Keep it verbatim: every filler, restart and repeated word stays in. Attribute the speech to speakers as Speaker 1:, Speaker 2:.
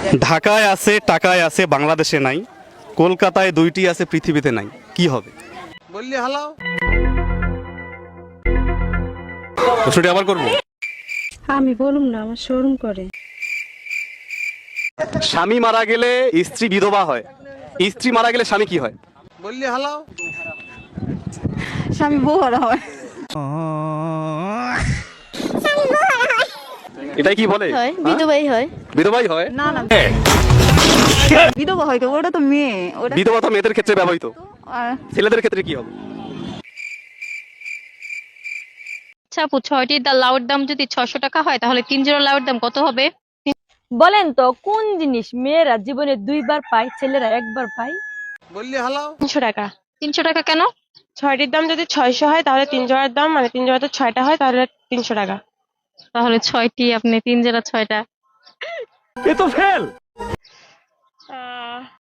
Speaker 1: ঢাকায় আছে, টাকায় আছে, বাংলাদেশে নাই। কলকাতায় দুইটি আছে, পৃথিবীতে নাই। কি হবে?
Speaker 2: বললি হালাও।
Speaker 1: প্রশ্নটি আবার করবো।
Speaker 3: আমি বলুম না, আমার শরম করে।
Speaker 1: স্বামী মারা গেলে স্ত্রী বিধবা হয়, স্ত্রী মারা গেলে স্বামী কি হয়?
Speaker 2: বললি হালাও।
Speaker 3: স্বামী বউ হারা হয়।
Speaker 1: এটাই কি বলে?
Speaker 3: হয়
Speaker 1: হ্যাঁ?
Speaker 3: বিধবাই হয়।
Speaker 1: বিধবাই হয়।
Speaker 3: না না, বিধবা হয় তো, ওটা তো মেয়ে। ওটা
Speaker 1: বিধবা তো মেয়েদের ক্ষেত্রে ব্যবহৃত,
Speaker 3: আর
Speaker 1: ছেলেদের ক্ষেত্রে কি হবে?
Speaker 4: আচ্ছা আপু, ছয়টি দা লাউর দাম যদি ছয়শো টাকা হয় তাহলে তিন জোড়া লাউর দাম কত হবে?
Speaker 5: বলেন তো কোন জিনিস মেয়েরা জীবনে দুইবার পায়, ছেলেরা একবার পায়?
Speaker 2: বললি হালাও।
Speaker 6: তিনশো টাকা।
Speaker 4: তিনশো টাকা কেন?
Speaker 6: ছয়টির দাম যদি ছয়শো হয় তাহলে তিন জোড়ার দাম মানে তিন জোড়া তো ছয়টা হয় তাহলে তিনশো টাকা।
Speaker 4: তাহলে ছয়টি, আপনি তিন জোড়া ছয়টা।
Speaker 1: এ তো ফেল।